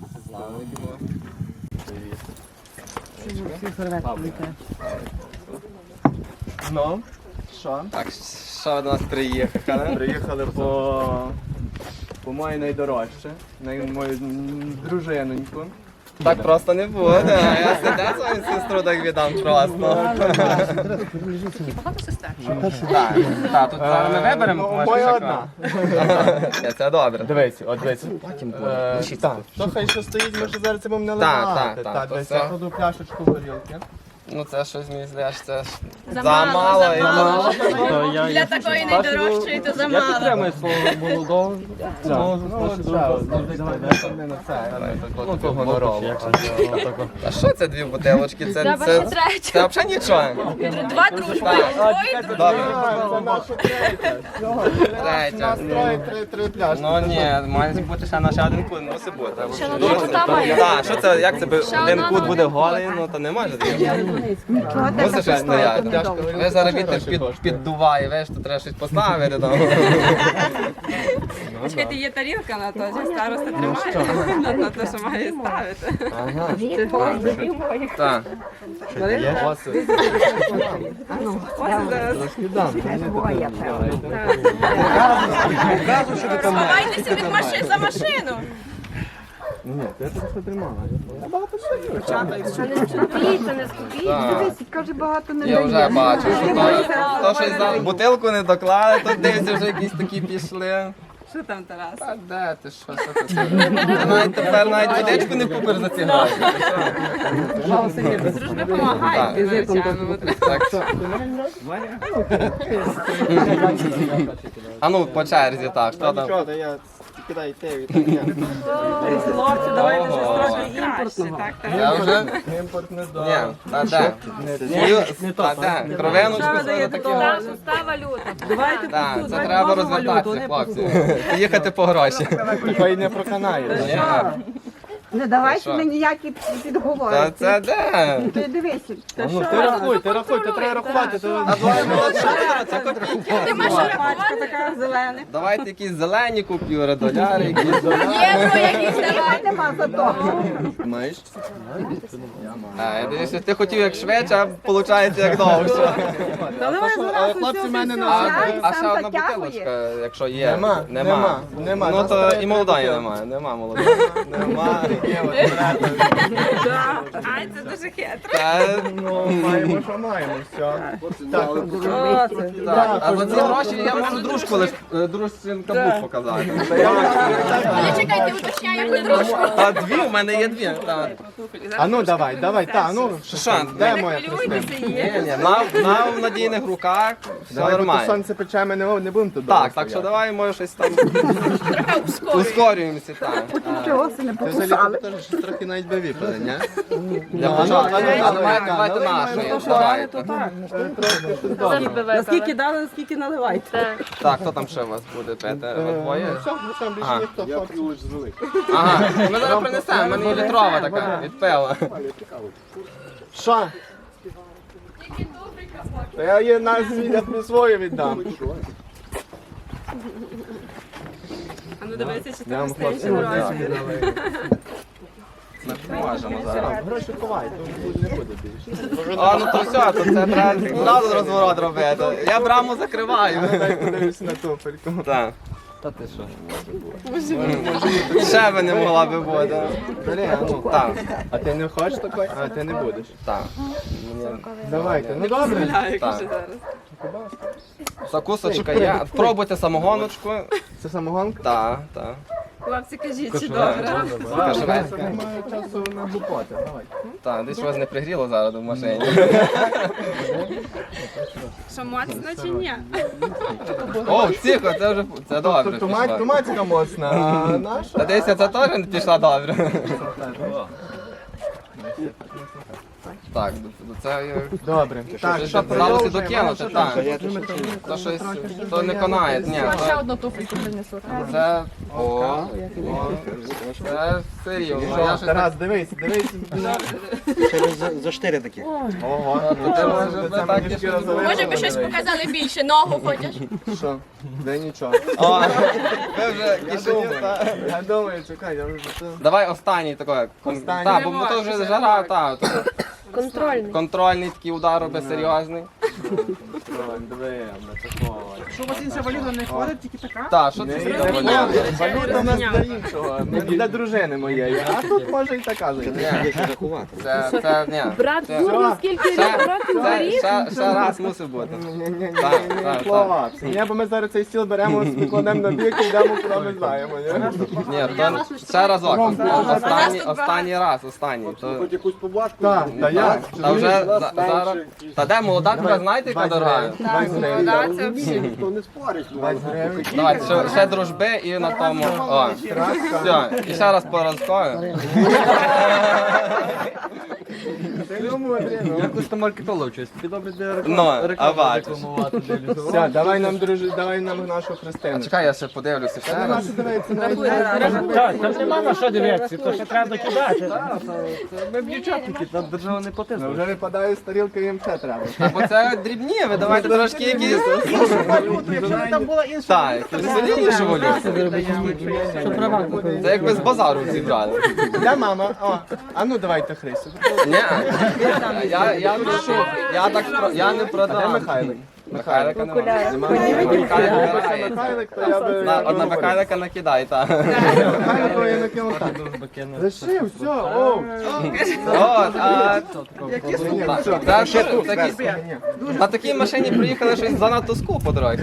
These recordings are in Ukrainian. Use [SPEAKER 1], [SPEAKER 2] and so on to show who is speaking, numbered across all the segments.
[SPEAKER 1] Ну, що?
[SPEAKER 2] Так, що до нас приїхали?
[SPEAKER 1] Приїхали по моїй найдорожче, мою дружиноньку.
[SPEAKER 2] Так просто не буде, а я себе свою сестру так віддам просто.
[SPEAKER 3] Багато сестер?
[SPEAKER 2] Так, тут зараз ми виберемо.
[SPEAKER 1] Моя одна.
[SPEAKER 2] Це добре.
[SPEAKER 1] Дивись, от дивись. Так, то хай що стоїть, ми ще зараз це будемо наливати.
[SPEAKER 2] Так, то
[SPEAKER 1] дивись,
[SPEAKER 2] все.
[SPEAKER 1] я кладу пляшечку горілки.
[SPEAKER 2] Ну це щось мені здається, це ж
[SPEAKER 3] Замало,
[SPEAKER 2] замало.
[SPEAKER 3] замало.
[SPEAKER 1] То
[SPEAKER 3] Для такої найдорожчої то замало.
[SPEAKER 4] свого молодого.
[SPEAKER 1] Ну, то гонорово.
[SPEAKER 2] А що це дві бутилочки?
[SPEAKER 3] Треба ще
[SPEAKER 2] Це
[SPEAKER 3] третю.
[SPEAKER 2] взагалі нічого.
[SPEAKER 3] Два дружби. Двоє дружби.
[SPEAKER 2] Добре.
[SPEAKER 1] Це наша третя.
[SPEAKER 2] Третя.
[SPEAKER 1] Три пляшки.
[SPEAKER 2] Ну ні, має бути ще на ще один кут, мусить бути.
[SPEAKER 3] Ще на одну кута має.
[SPEAKER 2] Так, що це, як це би
[SPEAKER 3] Ще
[SPEAKER 2] один
[SPEAKER 3] одна
[SPEAKER 2] кут
[SPEAKER 3] на
[SPEAKER 2] буде
[SPEAKER 3] один
[SPEAKER 2] голий, ну то не може бути. Мусить щось стояти. Ви зараз вітер піддуває, веш, то треба щось поставити там.
[SPEAKER 5] Чекайте, є тарілка на то, що староста тримає на те, що має ставити.
[SPEAKER 2] Так.
[SPEAKER 3] Сховайтеся від машин за машину.
[SPEAKER 1] Ні, ти просто тримала.
[SPEAKER 6] Скупіться, не скупіться. Дивись, каже, багато не
[SPEAKER 2] Я
[SPEAKER 6] дає.
[SPEAKER 2] вже бачу, що то щось за бутилку не доклали, то дивіться, вже якісь такі пішли.
[SPEAKER 5] Що там, Тарас?
[SPEAKER 2] А де ти що ти? Ти навіть тепер навіть водичку не купиш за ці гроші.
[SPEAKER 5] Дружби допомагають візитом.
[SPEAKER 2] Так. А ну по черзі так, хто там?
[SPEAKER 1] Нічого, я кидай йти від
[SPEAKER 5] Хлопці, давайте щось
[SPEAKER 1] Ого.
[SPEAKER 5] трохи краще. Так, так.
[SPEAKER 2] Я вже?
[SPEAKER 1] імпорт не
[SPEAKER 2] Ні,
[SPEAKER 1] здав.
[SPEAKER 2] та де? Та де? Кровиночку це таке.
[SPEAKER 3] Та валюта.
[SPEAKER 5] Давайте
[SPEAKER 2] Так,
[SPEAKER 5] тут,
[SPEAKER 2] це треба розвертатися, хлопці. Поїхати по гроші.
[SPEAKER 1] Такої не проканає.
[SPEAKER 2] Ні.
[SPEAKER 6] Не давайте
[SPEAKER 2] Що?
[SPEAKER 6] мені ніякі
[SPEAKER 2] Та
[SPEAKER 6] підговори.
[SPEAKER 2] це де?
[SPEAKER 6] Ти дивися.
[SPEAKER 1] Ну ти рахуй, ти треба рахувати.
[SPEAKER 2] А давай молодша, це копійки.
[SPEAKER 5] пачка така зелена.
[SPEAKER 2] Давайте якісь зелені купюри, доляри, якісь.
[SPEAKER 3] Євро якісь давай.
[SPEAKER 6] Нема за то.
[SPEAKER 2] Маєш? А, я дивлюся, ти хотів як швидше, а виходить як довше.
[SPEAKER 1] Але хлопці в мене не
[SPEAKER 2] А ще
[SPEAKER 6] сам
[SPEAKER 2] одна
[SPEAKER 6] затягує.
[SPEAKER 2] бутилочка, якщо є.
[SPEAKER 1] Нема.
[SPEAKER 2] Ну
[SPEAKER 1] Нас
[SPEAKER 2] то
[SPEAKER 1] треба
[SPEAKER 2] і молодої
[SPEAKER 1] бутилки.
[SPEAKER 2] немає, нема молодої. Нема.
[SPEAKER 5] Ай, це дуже хитро.
[SPEAKER 2] Та,
[SPEAKER 1] Ну, маємо, що маємо, все. Так,
[SPEAKER 2] так, а за ці гроші я можу дружку лиш дружчин каблук показати.
[SPEAKER 3] Але чекайте, уточняю яку дружку.
[SPEAKER 2] А дві, у мене є дві. Так.
[SPEAKER 1] а ну давай, так, ну,
[SPEAKER 2] Що?
[SPEAKER 1] де моя Христина?
[SPEAKER 2] Ні, на надійних руках, все
[SPEAKER 1] Давай, бо то
[SPEAKER 2] нормально.
[SPEAKER 1] сонце пече, ми не будемо тут
[SPEAKER 2] Так,
[SPEAKER 1] довго
[SPEAKER 2] так що
[SPEAKER 1] стояти.
[SPEAKER 2] давай, може щось там ускорюємося, так.
[SPEAKER 6] Чого це не
[SPEAKER 1] Ти
[SPEAKER 6] покусали?
[SPEAKER 1] взагалі теж трохи навіть би випили, ні?
[SPEAKER 2] Для початку, давайте нашої, давайте.
[SPEAKER 5] Наскільки дали, наскільки наливайте.
[SPEAKER 2] Так, хто там ще у вас буде пити? Ви двоє?
[SPEAKER 1] Все, ну там більше
[SPEAKER 2] Ага.
[SPEAKER 1] ніхто хлопці.
[SPEAKER 2] Ага, ми зараз принесемо, в мене є літрова така, від пива.
[SPEAKER 1] Що? Та я її на свою віддам.
[SPEAKER 5] А ну дивися, чи
[SPEAKER 1] Я
[SPEAKER 5] ти
[SPEAKER 1] вам
[SPEAKER 5] встаєш
[SPEAKER 1] хлопці
[SPEAKER 5] гроші.
[SPEAKER 2] Ми поможемо зараз.
[SPEAKER 1] Гроші ховай, тут не буде більше.
[SPEAKER 2] А, ну то все, то це треба зразу розворот робити. Я браму закриваю.
[SPEAKER 1] Дай подивлюся на туфельку.
[SPEAKER 2] Так. Ще би не могла би бути.
[SPEAKER 1] Бери, а ну.
[SPEAKER 2] Так,
[SPEAKER 1] А ти не хочеш такої? А ти не будеш.
[SPEAKER 2] так.
[SPEAKER 1] Давайте, ну добре.
[SPEAKER 2] Так. Закусочка є. Пробуйте самогоночку.
[SPEAKER 1] Це самогонка?
[SPEAKER 2] Так, так.
[SPEAKER 5] Хлопці, кажіть, чи добре?
[SPEAKER 2] Кашевецька.
[SPEAKER 1] Маю часу на глупоти, давай.
[SPEAKER 2] Так, десь вас не пригріло зараз в машині.
[SPEAKER 5] Що моцно чи ні?
[SPEAKER 2] О, тихо, це вже це добре. пішло.
[SPEAKER 1] Тумацька моцна, а наша?
[SPEAKER 2] Та десь це теж не пішла добре. Так, до це
[SPEAKER 1] Добре. Так,
[SPEAKER 2] що
[SPEAKER 1] що
[SPEAKER 2] вдалося
[SPEAKER 1] продовжуємо?
[SPEAKER 2] докинути, так. То щось, то не конає, ні.
[SPEAKER 3] Ще одну туфельку принесу.
[SPEAKER 2] Це, це серйозно. Я щось так,
[SPEAKER 1] Тарас, дивись.
[SPEAKER 4] За 4 такі.
[SPEAKER 1] Ого,
[SPEAKER 2] це може
[SPEAKER 1] це
[SPEAKER 2] би так
[SPEAKER 1] мені
[SPEAKER 2] і
[SPEAKER 1] шкіра
[SPEAKER 2] що.
[SPEAKER 1] залила.
[SPEAKER 3] Може би щось показали більше, ногу хочеш?
[SPEAKER 1] Що? Де нічого.
[SPEAKER 2] О, ви вже кишенів,
[SPEAKER 1] Я думаю, чекай, я вже це...
[SPEAKER 2] Давай останній такий.
[SPEAKER 1] Останній.
[SPEAKER 2] Так, бо то вже жара, так.
[SPEAKER 3] Контрольний.
[SPEAKER 2] Контрольний такий удар робить серйозний.
[SPEAKER 1] Диви, такого.
[SPEAKER 7] Що у вас інша валюта не ходить, тільки така?
[SPEAKER 2] Так, що це за валюта?
[SPEAKER 1] Валюта у нас для іншого, для дружини моєї, а тут може і така зайти.
[SPEAKER 4] Є що рахувати.
[SPEAKER 2] Це, ні.
[SPEAKER 3] Брат,
[SPEAKER 1] Все.
[SPEAKER 3] дурно, скільки років горів?
[SPEAKER 2] Ще раз мусив бути.
[SPEAKER 1] Ні,
[SPEAKER 2] Так, так,
[SPEAKER 1] хлопці. Ні, бо ми зараз цей стіл беремо, складемо на бік і йдемо, куди ми знаємо.
[SPEAKER 2] Ні, то ще разок. Останній раз, останній. То-
[SPEAKER 4] Якусь поблажку?
[SPEAKER 1] Так, та як?
[SPEAKER 2] Та вже зараз. Та де молода така, знаєте, яка дорога?
[SPEAKER 1] 20 гривень.
[SPEAKER 5] Да, це всі.
[SPEAKER 4] Ніхто не спорить.
[SPEAKER 1] 20 гривень.
[SPEAKER 2] Давайте, ще дружби і на тому. О, все, і ще раз по разкою.
[SPEAKER 4] Якусь там маркетолог щось. Тобі добре для
[SPEAKER 2] Ну, а бачиш.
[SPEAKER 1] Все, давай нам, давай нам нашу Христину.
[SPEAKER 2] Чекай, я ще подивлюся ще раз.
[SPEAKER 1] Нашу дивиться, навіть
[SPEAKER 7] Так, там нема на що дивитися, то ще треба докидати.
[SPEAKER 4] Ми б дівчатники, там держава не потисне.
[SPEAKER 1] вже випадає з тарілки, їм ще треба.
[SPEAKER 2] Бо це дрібні, ви давайте трошки якісь.
[SPEAKER 7] Якщо б там була інша
[SPEAKER 2] Так, якусь соліднішу валюту. Це якби з базару зібрали.
[SPEAKER 1] Де мама? О, а ну давайте Христю.
[SPEAKER 2] Ні, я прошу, я не
[SPEAKER 1] Де
[SPEAKER 2] продам.
[SPEAKER 1] Михайлик?
[SPEAKER 2] Михайлика немає.
[SPEAKER 1] Михайлик, то я би...
[SPEAKER 2] Одна Михайлика накидай, так.
[SPEAKER 1] Михайлику я накинув так. Лишив, все, о.
[SPEAKER 2] От, а
[SPEAKER 1] Ні, все,
[SPEAKER 2] на такій машині приїхали щось занадто скупо, дорогі.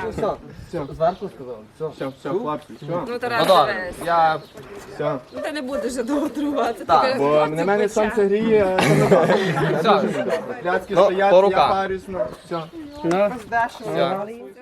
[SPEAKER 1] все, хлопці, все.
[SPEAKER 5] Ну,
[SPEAKER 2] Ну
[SPEAKER 5] Тарас,
[SPEAKER 2] добре,
[SPEAKER 5] дивись.
[SPEAKER 2] я
[SPEAKER 1] Все.
[SPEAKER 5] Ну, ти не будеш вже довго трувати.
[SPEAKER 2] Так,
[SPEAKER 1] Бо на мене сонце гріє, це не добре.
[SPEAKER 2] все,
[SPEAKER 1] Пляцки
[SPEAKER 2] Ну,
[SPEAKER 1] стоять,
[SPEAKER 2] по
[SPEAKER 1] я
[SPEAKER 2] руках.
[SPEAKER 1] парюсь, ну, все.
[SPEAKER 2] все.